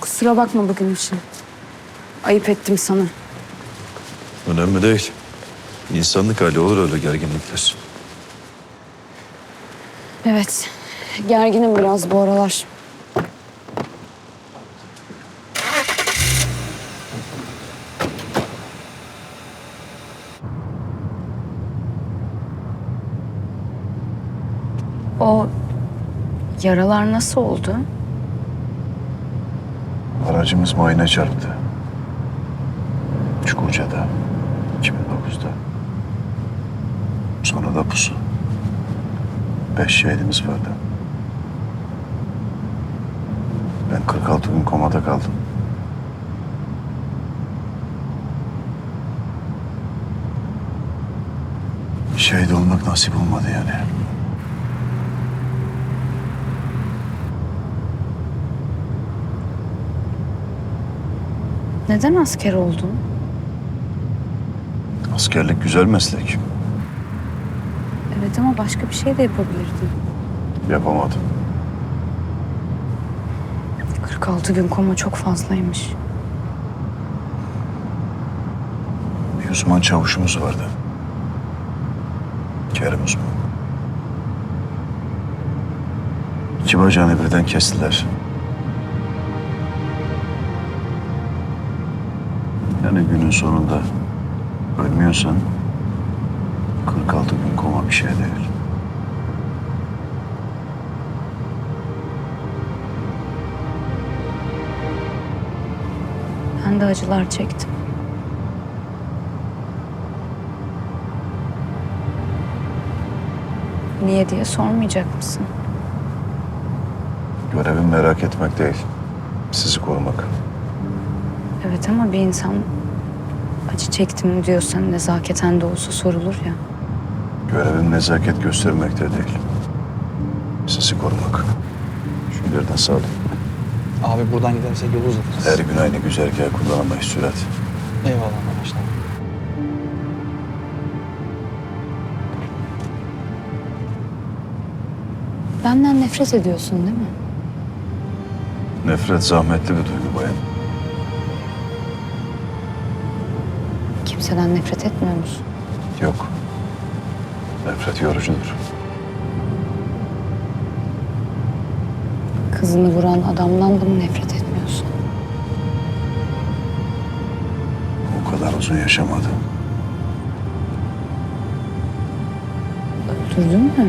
Kusura bakma bugün için. Ayıp ettim sana. Önemli değil. İnsanlık hali, olur öyle gerginlikler. Evet, gerginim biraz bu aralar. O yaralar nasıl oldu? Aracımız mayına çarptı. Çukurca'da, 2009'da. Sonra da pusu. 5 şehidimiz vardı. Ben 46 gün komada kaldım. Şehit olmak nasip olmadı yani. Neden asker oldun? Askerlik güzel meslek. Evet ama başka bir şey de yapabilirdin. Yapamadım. 46 gün koma çok fazlaymış. Bir uzman çavuşumuz vardı. Kerim uzman. 2 bacağını birden kestiler. Yani günün sonunda ölmüyorsan 46 gün koma bir şey değil. Ben de acılar çektim. Niye diye sormayacak mısın? Görevim merak etmek değil, sizi korumak. Evet ama bir insan acı çektim diyorsan nezaketen de olsa sorulur ya. Görevim nezaket göstermek de değil, sizi korumak. Şu ileriden sağ olun. Abi buradan gidersek yolu uzatırız. Her gün aynı güzergahı kullanamayız Sürat. Eyvallah arkadaşlar. Benden nefret ediyorsun değil mi? Nefret zahmetli bir duygu bayan. Kimseden nefret etmiyor musun? Yok. Nefret yorucudur. Kızını vuran adamdan da mı nefret etmiyorsun? O kadar uzun yaşamadı. Öldürdün mü?